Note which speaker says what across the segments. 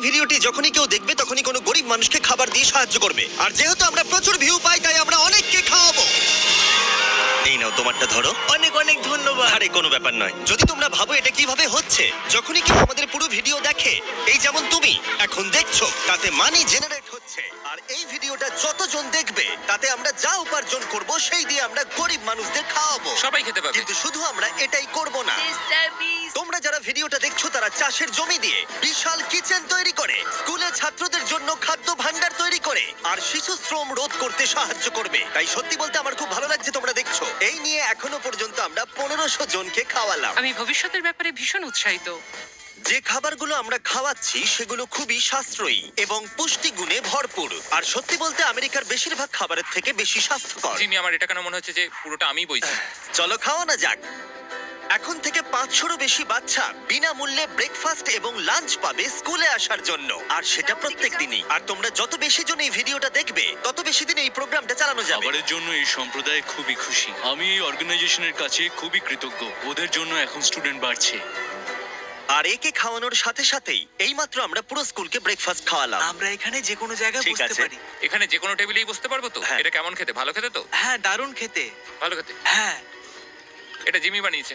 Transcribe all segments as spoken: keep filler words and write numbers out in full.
Speaker 1: ভিডিওটি যখনই কেউ দেখবে তখনই কোনো গরিব মানুষকে খাবার দিয়ে সাহায্য করবে। আর যেহেতু আমরা প্রচুর ভিউ পাই তাই আমরা অনেককে খাওয়াবো। এই নাও তোমারটা ধরো।
Speaker 2: অনেক অনেক ধন্যবাদ।
Speaker 1: আরে কোনো ব্যাপার নয়। যদি তোমরা ভাবো এটা কিভাবে হচ্ছে, যখনই কেউ আমাদের পুরো ভিডিও দেখে, এই যেমন তুমি এখন দেখছো, তাতে মানি জেনারেট হচ্ছে। আর এই ভিডিওটা যতজন দেখবে তাতে আমরা যা উপার্জন করব সেই দিয়ে আমরা গরিব মানুষদের খাওয়াবো।
Speaker 3: সবাই খেতে পাবে।
Speaker 1: কিন্তু শুধু আমরা এটাই করব না।
Speaker 2: Mister Beast.
Speaker 1: তোমরা যারা ভিডিওটা দেখছো তারা চাষের জমি দিয়ে বিশাল কিচেন তৈরি করে, স্কুলে ছাত্রদের জন্য খাদ্য ভাণ্ডার তৈরি করে, আর শিশু শ্রম রোধ করতে সাহায্য করবে। তাই সত্যি বলতে আমার খুব ভালো লাগছে তোমরা দেখছো। এই নিয়ে এখনো পর্যন্ত আমরা পনেরোশো জনকে খাওয়ালাম।
Speaker 4: আমি ভবিষ্যতের ব্যাপারে ভীষণ উৎসাহিত।
Speaker 1: যে খাবারগুলো আমরা খাওয়াচ্ছি সেগুলো খুবই সাশ্রয়ী এবং পুষ্টিগুণে ভরপুর। আর সত্যি বলতে আমেরিকার বেশিরভাগ খাবারের থেকে বেশি স্বাস্থ্যকর।
Speaker 3: জিমি, আমার এটা কেন মনে হচ্ছে যে পুরোটা আমিই বইছি।
Speaker 1: চলো খাওয়ানো যাক। এখন থেকে পাঁচশোরও বেশি বাচ্চা বিনামূল্যে ব্রেকফাস্ট এবং লাঞ্চ পাবে স্কুলে আসার জন্য, আর সেটা প্রত্যেক দিনই। আর তোমরা যত বেশি জন এই ভিডিওটা দেখবে তত বেশি দিন এই প্রোগ্রামটা চালানো যাবে।
Speaker 5: খাবারের জন্য এই সম্প্রদায় খুবই খুশি। আমি এই অর্গানাইজেশনের কাছে খুবই কৃতজ্ঞ। ওদের জন্য এখন স্টুডেন্ট বাড়ছে।
Speaker 1: আর একে খাওয়ানোর সাথে সাথেই এইমাত্র আমরা পুরো স্কুলকে ব্রেকফাস্ট খাওয়ালাম।
Speaker 2: আমরা এখানে যে কোনো জায়গায়
Speaker 1: ঠিক
Speaker 2: বসতে
Speaker 1: আছে।
Speaker 2: পারি।
Speaker 3: এখানে যে কোনো টেবিলেই বসতে পারবো তো?
Speaker 1: হ্যাঁ।
Speaker 3: এটা কেমন খেতে? ভালো খেতে তো?
Speaker 2: হ্যাঁ, দারুণ খেতে।
Speaker 3: ভালো খেতে।
Speaker 2: হ্যাঁ।
Speaker 3: এটা জিমি বানিয়েছে।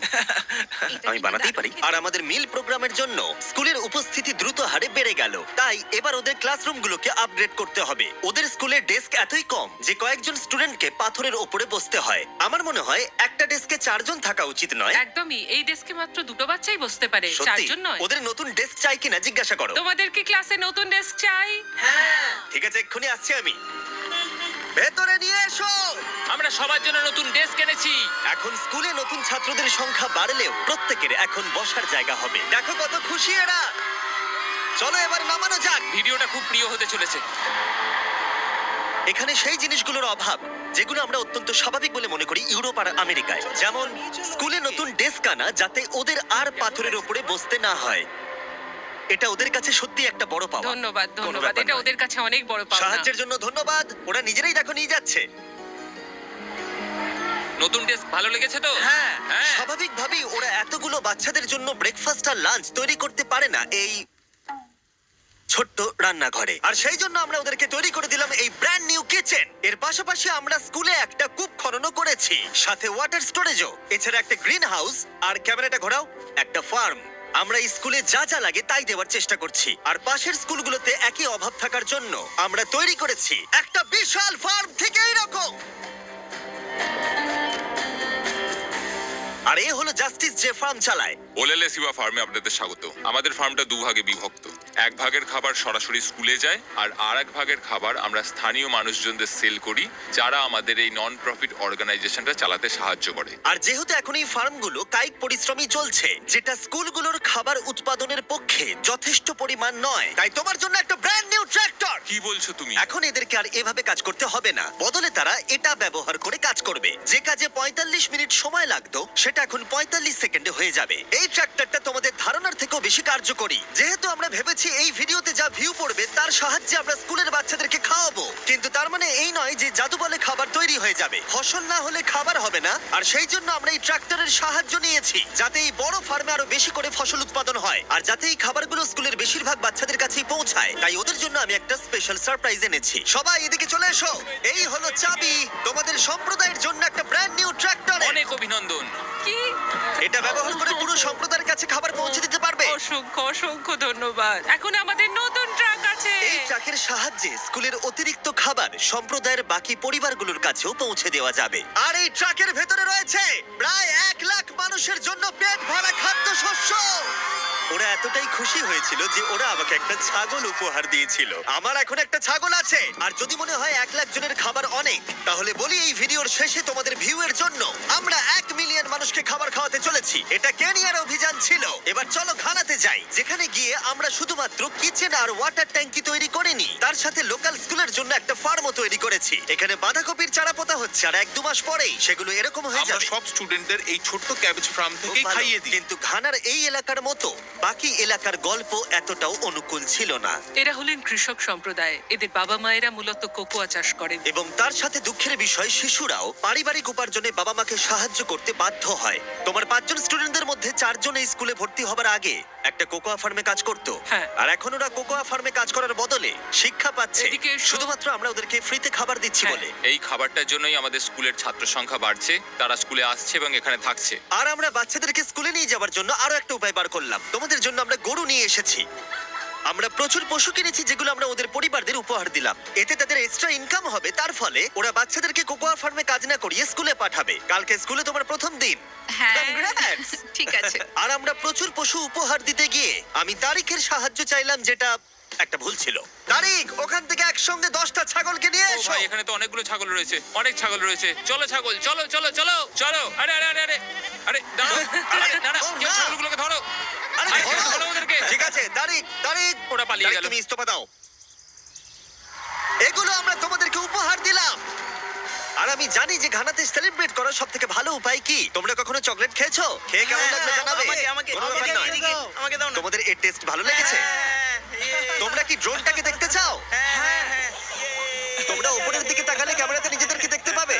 Speaker 1: আমি বানাতেই পারি। আর আমাদের মিল প্রোগ্রামের জন্য স্কুলের উপস্থিতি দ্রুত হারে বেড়ে গেল। তাই এবার ওদের ক্লাসরুমগুলোকে আপগ্রেড করতে হবে। ওদের স্কুলের ডেস্ক এতই কম যে কয়েকজন স্টুডেন্টকে পাথরের ওপরে বসতে হয়। আমার মনে হয় একটা ডেস্কে চারজন থাকা উচিত নয়।
Speaker 4: একদমই, এই ডেস্কে মাত্র দুটো বাচ্চাই বসতে পারে,
Speaker 1: সত্যি
Speaker 4: চারজন নয়।
Speaker 1: ওদের নতুন ডেস্ক চাই কিনা জিজ্ঞাসা করো।
Speaker 4: তোমাদের কি ক্লাসে নতুন ডেস্ক চাই?
Speaker 2: হ্যাঁ।
Speaker 1: ঠিক আছে, এক্ষুনি আসছি আমি। ভেতরে নিয়ে এসো।
Speaker 3: আমরা সবার জন্য নতুন ডেস্ক এনেছি।
Speaker 1: এখন স্কুলে নতুন ছাত্রদের সংখ্যা বাড়লেও প্রত্যেকের এখন বসার জায়গা হবে। দেখো কত খুশি এরা। চলো এবার নামানো যাক।
Speaker 3: ভিডিওটা খুব প্রিয় হতে চলেছে।
Speaker 1: এখানে সেই জিনিসগুলোর অভাব যেগুলো আমরা অত্যন্ত স্বাভাবিক বলে মনে করি ইউরোপ আর আমেরিকায়। যেমন স্কুলে নতুন ডেস্ক আনা যাতে ওদের আর পাথরের উপরে বসতে না হয়। এটা ওদের কাছে সত্যি একটা বড় পাওয়া।
Speaker 4: ধন্যবাদ
Speaker 1: কোনো
Speaker 4: ধন্যবাদ,
Speaker 1: ব্যাপার
Speaker 4: এটা
Speaker 1: নয়।
Speaker 4: ওদের কাছে অনেক বড় পাওনা।
Speaker 1: সাহায্যের জন্য ধন্যবাদ। ওরা নিজেরাই দেখো নিয়ে যাচ্ছে।
Speaker 3: নতুন ডেস্ক ভালো লেগেছে তো?
Speaker 1: হ্যাঁ,
Speaker 3: হ্যাঁ।
Speaker 1: স্বাভাবিকভাবেই ওরা এতগুলো বাচ্চাদের জন্য ব্রেকফাস্ট আর লাঞ্চ তৈরি করতে পারে না এই ছোট্ট রান্নাঘরে। আর সেই জন্য আমরা ওদেরকে তৈরি করে দিলাম এই ব্র্যান্ড নিউ কিচেন। এর পাশাপাশি আমরা স্কুলে একটা কূপ খননও করেছি, সাথে ওয়াটার স্টোরেজও। এছাড়া একটা গ্রিন হাউস, আর ক্যামেরাটা ঘোরাও, একটা ফার্ম। আমরা এই স্কুলে যা যা লাগে তাই দেওয়ার চেষ্টা করছি। আর পাশের স্কুলগুলোতে একই অভাব থাকার জন্য আমরা তৈরি করেছি একটা বিশাল ফার্ম থেকে এইরকম। আর এ হলো জাস্টিস যে ফার্ম চালায়।
Speaker 6: ওলেলে সিবা ফার্মে আপনাদের স্বাগত। আমাদের ফার্মটা দুভাগে বিভক্ত। এক ভাগের খাবার সরাসরি স্কুলে যায়, আর আর এক ভাগের খাবার আমরা স্থানীয় মানুষজনদের সেল করি, যারা আমাদের এই নন প্রফিট অর্গানাইজেশনটা চালাতে সাহায্য করে।
Speaker 1: আর যেহেতু এখন এই ফার্মগুলো কায়িক পরিশ্রমই চলছে, যেটা স্কুলগুলোর খাবার উৎপাদনের পক্ষে যথেষ্ট পরিমাণ নয়, তাই তোমার জন্য একটা ব্র্যান্ড নিউ ট্র্যাক্টর।
Speaker 6: কি বলছো তুমি?
Speaker 1: এখন এদেরকে আর এভাবে কাজ করতে হবে না। বদলে তারা এটা ব্যবহার করে কাজ করবে। যে কাজে পঁয়তাল্লিশ মিনিট সময় লাগতো সেটা এখন পঁয়তাল্লিশ সেকেন্ডে হয়ে যাবে। এই ট্র্যাক্টরটা তোমাদের ধারণার থেকেও বেশি কার্যকরী। যেহেতু আমরা ভেবেছি এই ভিডিওতে যা ভিউ পড়বে তার সাহায্যে আমরা স্কুলের বাচ্চাদেরকে খাওয়াবো, কিন্তু তার মানে এই নয় যে জাদু বলে খাবার তৈরি হয়ে যাবে। ফসল না হলে খাবার হবে না। আর সেই জন্য আমরা এই ট্র্যাক্টরের সাহায্য নিয়েছি, যাতে এই বড় ফার্মে আরো বেশি করে ফসল উৎপাদন হয়, আর যাতে এই খাবারগুলো স্কুলের বেশিরভাগ বাচ্চাদের কাছেই পৌঁছায়। তাই ওদের জন্য আমি একটা স্পেশাল সারপ্রাইজ এনেছি। সবাই এদিকে চলে এসো। এই হলো চাবি তোমাদের সম্প্রদায়ের জন্য একটা ব্র্যান্ড নিউ ট্র্যাক্টর।
Speaker 3: অনেক অভিনন্দন।
Speaker 4: কি?
Speaker 1: এটা ব্যবহার করে পুরো সম্প্রদায়ের কাছে খাবার পৌঁছে দিতে পারবে।
Speaker 4: অসংখ্য অসংখ্য ধন্যবাদ। এখন আমাদের নতুন ট্রাক আছে।
Speaker 1: এই ট্রাকের সাহায্যে স্কুলের অতিরিক্ত খাবার সম্প্রদায়ের বাকি পরিবারগুলোর কাছেও পৌঁছে দেওয়া যাবে। আর এই ট্রাকের ভেতরে রয়েছে প্রায় এক লাখ মানুষের জন্য পেট ভরা খাদ্যশস্য। ওরা এতটাই খুশি হয়েছিল যে ওরা আমাকে একটা ছাগল উপহার দিয়েছিল। আমার এখন একটা ছাগল আছে। আর যদি মনে হয় এক লাখ জনের খাবার অনেক, তাহলে বলি এই ভিডিওর শেষে তোমাদের ভিউ এর জন্য আমরা এক মিলিয়ন মানুষকে খাবার খাওয়াতে চলেছি। এটা কেনিয়ার অভিযান ছিল। এবার চলো ঘানাতে যাই, যেখানে গিয়ে আমরা শুধুমাত্র কিচেন আর ওয়াটার ট্যাঙ্কি তৈরি করিনি, তার সাথে লোকাল স্কুলের জন্য একটা ফার্মও তৈরি করেছি। এখানে বাঁধাকপির চারা পোতা হচ্ছে, আর এক দু মাস পরেই সেগুলো এরকম হয়ে
Speaker 6: আমরা
Speaker 1: যাবে।
Speaker 6: সব স্টুডেন্টদের এই ছোট্ট ক্যাবেজ ফার্ম
Speaker 1: খুব
Speaker 6: থেকেই
Speaker 1: ভালো।
Speaker 6: খাইয়ে দিই।
Speaker 1: কিন্তু ঘানার এই এলাকার মতো বাকি এলাকার গল্প এতটাও অনুকূল ছিল না।
Speaker 4: এরা হলেন কৃষক সম্প্রদায়। এদের বাবা মায়েরা মূলত কোকোয়া চাষ করেন।
Speaker 1: এবং তার সাথে দুঃখের বিষয়, শিশুরাও পারিবারিক উপার্জনে বাবা মাকে সাহায্য করতে বাধ্য হয়। তোমার পাঁচজন স্টুডেন্টদের মধ্যে চারজন এই স্কুলে ভর্তি হবার আগে একটা কোকোয়া ফার্মে কাজ করতো।
Speaker 4: হ্যাঁ।
Speaker 1: আর এখন ওরা কোকোয়া ফার্মে কাজ করার বদলে শিক্ষা পাচ্ছে
Speaker 4: এদিকে এসো।
Speaker 1: শুধুমাত্র আমরা ওদেরকে ফ্রিতে খাবার দিচ্ছি
Speaker 4: হ্যাঁ।
Speaker 1: বলে।
Speaker 6: এই খাবারটার জন্যই আমাদের স্কুলের ছাত্র সংখ্যা বাড়ছে, তারা স্কুলে আসছে এবং এখানে থাকছে।
Speaker 1: আর আমরা বাচ্চাদেরকে স্কুলে নিয়ে যাওয়ার জন্য আরো একটা উপায় বার করলাম। তোমাদের জন্য আমরা গরু নিয়ে এসেছি। আমরা প্রচুর পশু কিনেছি যেগুলো আমরা ওদের পরিবারদের উপহার দিলাম। এতে তাদের এক্সট্রা ইনকাম হবে, তার ফলে ওরা বাচ্চাদেরকে কোকোয়া ফার্মে কাজ না করিয়ে স্কুলে পাঠাবে। কালকে স্কুলে তোমার প্রথম দিন।
Speaker 7: হ্যাঁ
Speaker 1: Congrats!
Speaker 7: ঠিক আছে।
Speaker 1: আর আমরা প্রচুর পশু উপহার দিতে গিয়ে আমি তারিখের সাহায্য চাইলাম, যেটা একটা ভুল ছিল। তারিখ, ওখান থেকে একসঙ্গে দশটা ছাগলকে নিয়ে
Speaker 3: ও
Speaker 1: এসো।
Speaker 3: ভাই, এখানে তো অনেকগুলো ছাগল রয়েছে, অনেক ছাগল রয়েছে। চলো ছাগল, চলো চলো চলো চলো। আরে আরে আরে আরে আরে দাঁড়াও, আরে না না,
Speaker 1: ও,
Speaker 3: কেউ
Speaker 1: না।
Speaker 3: ছাগলগুলোকে ধরো।
Speaker 1: আরে,
Speaker 3: আরে,
Speaker 1: ধরো।
Speaker 3: ধরো ওদেরকে।
Speaker 1: ঠিক আছে, তারিখ, তারিখ।
Speaker 3: ওরা পালিয়ে
Speaker 1: তারিখ,
Speaker 3: গেল।
Speaker 1: তুমি ইস্তফা দাও। এগুলো আমরা তোমাদেরকে উপহার দিলাম। আর আমি জানি যে ঘানাতে সেলিব্রেট করার সব থেকে ভালো উপায় কি। তোমরা কখনো চকলেট খেয়েছো? খেয়ে কেমন লাগলো জানাবে।
Speaker 2: আমাকে আমাকে
Speaker 1: কোনো ব্যাপার নয়।
Speaker 2: এদিকে, আমাকে দাও না।
Speaker 1: তোমাদের এর টেস্ট ভালো লেগেছে?
Speaker 2: হ্যাঁ,
Speaker 1: তোমরা কি ড্রোনটাকে দেখতে চাও?
Speaker 2: হ্যাঁ, হ্যাঁ।
Speaker 1: তোমরা উপরের দিকে তাকালে ক্যামেরাতে নিজেদেরকে দেখতে পাবে।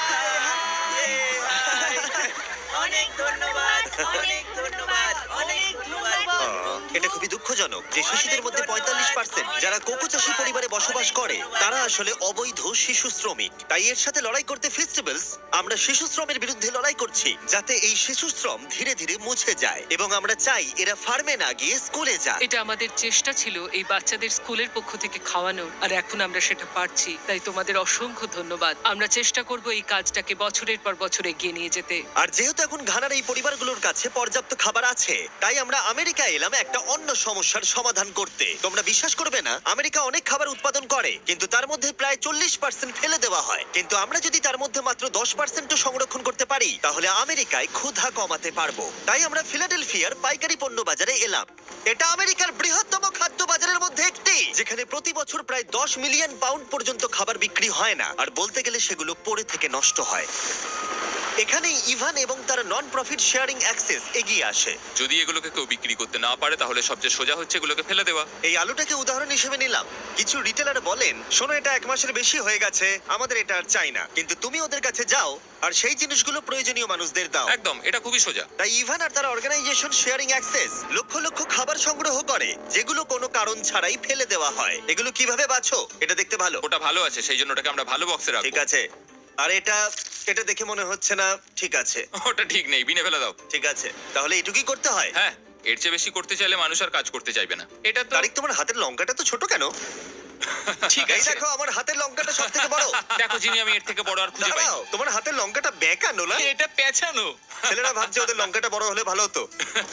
Speaker 2: অনেক ধন্যবাদ, অনেক ধন্যবাদ, অনেক ধন্যবাদ।
Speaker 1: এটা খুবই দুঃখজনক যে শিশুদের মধ্যে পঁয়তাল্লিশ পার্সেন্ট যারা কোকো চাষী পরিবারে বসবাস করে তারা আসলে অবৈধ শিশু শ্রমিক। তাই এর সাথে লড়াই করতে ফেস্টিভ্যালস আমরা শিশু শ্রমের বিরুদ্ধে লড়াই করছি, যাতে এই শিশু শ্রম ধীরে ধীরে মুছে যায়। এবং আমরা চাই এরা ফার্মে না গিয়ে স্কুলে যায়।
Speaker 4: এটা আমাদের চেষ্টা ছিল এই বাচ্চাদের স্কুলের পক্ষ থেকে খাওয়ানোর, আর এখন আমরা সেটা পারছি। তাই তোমাদের অসংখ্য ধন্যবাদ। আমরা চেষ্টা করব এই কাজটাকে বছরের পর বছর এগিয়ে নিয়ে যেতে।
Speaker 1: আর যেহেতু এখন ঘানার এই পরিবারগুলোর কাছে পর্যাপ্ত খাবার আছে, তাই আমরা আমেরিকা এলাম একটা অন্য সমস্যার সমাধান করতে। তোমরা বিশ্বাস করবে না, আমেরিকা অনেক খাবার উৎপাদন করে, কিন্তু তার মধ্যে প্রায় চল্লিশ পার্সেন্ট ফেলে দেওয়া হয়। কিন্তু আমরা যদি তার মধ্যে মাত্র দশ পার্সেন্ট সংরক্ষণ করতে পারি, তাহলে আমেরিকায় ক্ষুধা কমাতে পারবো। তাই আমরা ফিলাডেলফিয়ার পাইকারি পণ্য বাজারে এলাম। এটা আমেরিকার বৃহত্তম খাদ্য বাজারের মধ্যে একটি, যেখানে প্রতি বছর প্রায় দশ মিলিয়ন পাউন্ড পর্যন্ত খাবার বিক্রি হয় না, আর বলতে গেলে সেগুলো পড়ে থেকে নষ্ট হয়। এখানেই ইভান এবং তার নন প্রফিট শেয়ারিং অ্যাক্সেস এগিয়ে আসে।
Speaker 6: যদি এগুলোকে কেউ বিক্রি করতে না পারে তাহলে সবচেয়ে সোজা হচ্ছে এগুলোকে ফেলে দেওয়া।
Speaker 1: এই আলুটাকে উদাহরণ হিসেবে নিলাম। কিছু রিটেলার বলেন, শোনো এটা এক মাসের বেশি হয়ে গেছে, আমাদের এটা আর চাই না। কিন্তু তুমি ওদের কাছে যাও আর সেই জিনিসগুলো প্রয়োজনীয় মানুষদের দাও।
Speaker 6: একদম, এটা খুবই সোজা।
Speaker 1: তাই ইভান আর তার অর্গানাইজেশন শেয়ারিং অ্যাক্সেস লক্ষ লক্ষ খাবার সংগ্রহ করে, যেগুলো কোনো কারণ ছাড়াই ফেলে দেওয়া হয়। এগুলো কিভাবে বাছো? এটা দেখতে ভালো।
Speaker 6: ওটা ভালো আছে, সেই জন্য ওটাকে আমরা ভালো বক্সে
Speaker 1: ঠিক
Speaker 6: রাখবো।
Speaker 1: আছে। আর এটা এটা দেখে মনে হচ্ছে না ঠিক আছে।
Speaker 6: ওটা ঠিক নেই, বিনে ফেলে দাও।
Speaker 1: ঠিক আছে, তাহলে এটুকুই করতে হয়।
Speaker 6: হ্যাঁ, এর চেয়ে বেশি করতে চাইলে মানুষ আর কাজ করতে চাইবে না। এটা তো
Speaker 1: তারিক, তোমার হাতের লঙ্কাটা তো ছোট কেন?
Speaker 6: ঠিক
Speaker 1: এই
Speaker 6: আছে।
Speaker 1: দেখো, আমার হাতের লঙ্কাটা সব থেকে বড়।
Speaker 6: দেখো জিনি, আমি এর থেকে বড় আর খুঁজে পাই
Speaker 1: দাঁড়াও, তোমার হাতের লঙ্কাটা বেঁকানো না?
Speaker 5: এটা পেঁচানো।
Speaker 1: ছেলেরা ভাবছে ওদের লঙ্কাটা বড় হলে ভালো হতো।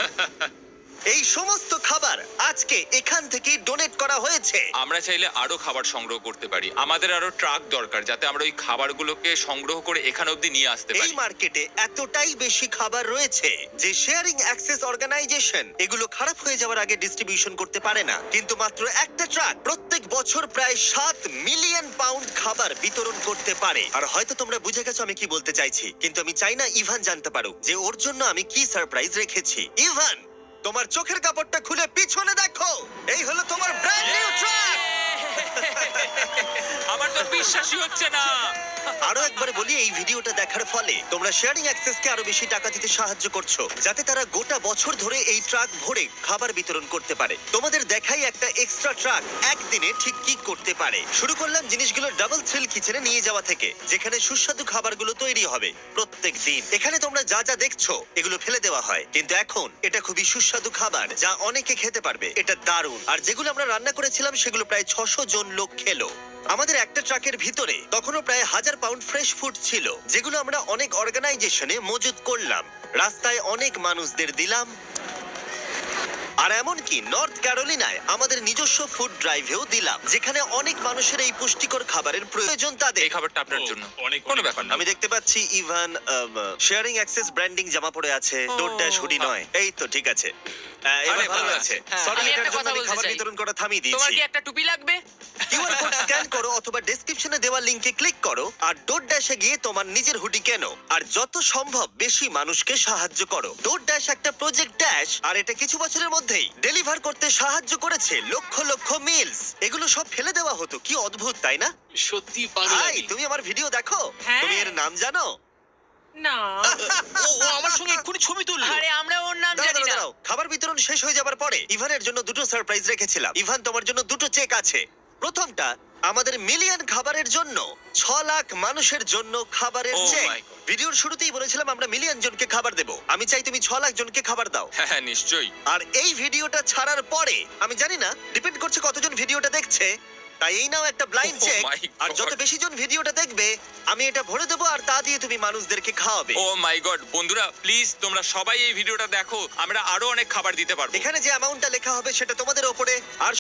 Speaker 1: এই সমস্ত খাবার আজকে এখান থেকেই ডোনেট করা হয়েছে।
Speaker 6: আমরা চাইলে আরো খাবার সংগ্রহ করতে পারি। আমাদের আরো ট্রাক দরকার, যাতে আমরা ওই খাবারগুলোকে সংগ্রহ করে এখানে অবধি নিয়ে আসতে
Speaker 1: এই
Speaker 6: পারি।
Speaker 1: মার্কেটে এতটাই বেশি খাবার রয়েছে যে শেয়ারিং অ্যাক্সেস অর্গানাইজেশন এগুলো খারাপ হয়ে যাওয়ার আগে ডিস্ট্রিবিউশন করতে পারে না। কিন্তু মাত্র একটা ট্রাক প্রত্যেক বছর প্রায় সাত মিলিয়ন পাউন্ড খাবার বিতরণ করতে পারে। আর হয়তো তোমরা বুঝে গেছো আমি কি বলতে চাইছি, কিন্তু আমি চাই না ইভান জানতে পারুক যে ওর জন্য আমি কি সারপ্রাইজ রেখেছি। ইভান, তোমার চোখের কাপড়টা খুলে পিছনে দেখো, এই হলো তোমার ব্র্যান্ড নিউ ট্রাক।
Speaker 3: আমার তো বিশ্বাসই হচ্ছে না।
Speaker 1: আরো একবার বলি, এই ভিডিওটা দেখার ফলে তোমরা শেয়ারিং অ্যাক্সেসকে আরো বেশি টাকা দিতে সাহায্য করছো, যাতে তারা গোটা বছর ধরে এই ট্রাক ভরে খাবার বিতরণ করতে পারে। তোমাদের দেখাই একটা এক্সট্রা ট্রাক একদিনে ঠিক কি করতে পারে। শুরু করলাম জিনিসগুলো ডাবল থ্রিল কিচেনে নিয়ে যাওয়া থেকে, যেখানে সুস্বাদু খাবারগুলো তৈরি হবে প্রত্যেক দিন। এখানে তোমরা যা যা দেখছো এগুলো ফেলে দেওয়া হয়, কিন্তু এখন এটা খুবই সুস্বাদু খাবার যা অনেকে খেতে পারবে। এটা দারুণ। আর যেগুলো আমরা রান্না করেছিলাম সেগুলো প্রায় ছশো জন লোক খেলো। আমাদের একটা ট্রাকের ভিতরে তখনও প্রায় হাজার পাউন্ড ফ্রেশ ফুড ছিল, যেগুলো আমরা অনেক অর্গানাইজেশনে মজুত করলাম, রাস্তায় অনেক মানুষদের দিলাম। আর এমনকি নর্থ ক্যারোলিনায় আমাদের নিজস্ব ফুড ড্রাইভেও দিলাম, যেখানে অনেক মানুষের এই পুষ্টিকর খাবারের প্রয়োজন তাদের।
Speaker 6: এই খাবারটা আপনার জন্য।
Speaker 5: অনেক
Speaker 6: কোনো ব্যাপার না।
Speaker 1: আমি দেখতে পাচ্ছি ইভান শেয়ারিং অ্যাক্সেস ব্র্যান্ডিং জামা পরে আছে, ডোর ড্যাশ হুডি নয়। এই তো ঠিক আছে। আহ, এবার
Speaker 3: আরে,
Speaker 1: ভালো
Speaker 3: ভালো
Speaker 1: লাগছে।
Speaker 3: হ্যাঁ।
Speaker 1: সরি,
Speaker 3: আমি
Speaker 1: এটার
Speaker 3: একটা
Speaker 1: জন্য
Speaker 3: কথা
Speaker 1: আমি
Speaker 3: বলতে
Speaker 1: খাবার
Speaker 3: চাই।
Speaker 1: বিতরণ করা থামিয়ে
Speaker 3: তোমার
Speaker 1: দিয়েছি।
Speaker 3: কি একটা টুপি লাগবে?
Speaker 1: কিউআর কোড স্ক্যান করো অথবা ডেসক্রিপশনে দেওয়া লিংকে ক্লিক করো আর ডোরড্যাশে গিয়ে তোমার নিজের হুডি কেনো আর যত সম্ভব বেশি মানুষকে সাহায্য করো। ডোরড্যাশ একটা প্রজেক্ট ড্যাশ আর এটা কিছু বছরের মধ্যেই ডেলিভার করতে সাহায্য করেছে লক্ষ লক্ষ মিলস। এগুলো সব ফেলে দেওয়া হতো, কি অদ্ভুত তাই না?
Speaker 5: সত্যি
Speaker 1: ভাই
Speaker 5: পাগলামি।
Speaker 1: তুমি আমার ভিডিও দেখো,
Speaker 4: হ্যাঁ।
Speaker 1: তুমি এর নাম জানো?
Speaker 4: না
Speaker 2: ও ও আমার সঙ্গে এক্ষুনি ছবি তুললো।
Speaker 4: আরে আমরা ওর নাম
Speaker 1: দাঁড়াও,
Speaker 4: জানি
Speaker 1: দাঁড়াও,
Speaker 4: না।
Speaker 1: দাঁড়াও। খাবার বিতরণ শেষ হয়ে যাবার পরে ইভানের জন্য দুটো সারপ্রাইজ রেখেছিলাম। ইভান, তোমার জন্য দুটো চেক আছে। প্রথমটা আমাদের মিলিয়ন খাবারের জন্য ছ লাখ মানুষের জন্য খাবারের
Speaker 3: Oh
Speaker 1: চেক।
Speaker 3: my God.
Speaker 1: ভিডিওর শুরুতেই বলেছিলাম আমরা মিলিয়ন জনকে খাবার দেব। আমি চাই তুমি ছ লাখ জনকে খাবার দাও।
Speaker 3: হ্যাঁ হ্যাঁ নিশ্চয়ই।
Speaker 1: আর এই ভিডিওটা ছাড়ার পরে আমি জানি না, ডিপেন্ড করছে কতজন ভিডিওটা দেখছে, তাই এই নাও একটা ব্লাইন্ড
Speaker 3: Oh
Speaker 1: চেক।
Speaker 3: my
Speaker 1: আর যত
Speaker 3: God.
Speaker 1: বেশি জন ভিডিওটা দেখবে আমি এটা ভরে দেবো আর তা দিয়ে তুমি মানুষদেরকে খাওয়াবে।
Speaker 3: ও মাই গড, বন্ধুরা প্লিজ তোমরা সবাই এই ভিডিওটা দেখো, আমরা আরো অনেক খাবার দিতে পারবো।
Speaker 1: এখানে যে অ্যামাউন্টটা লেখা হবে সেটা তোমাদের ওপরে। আর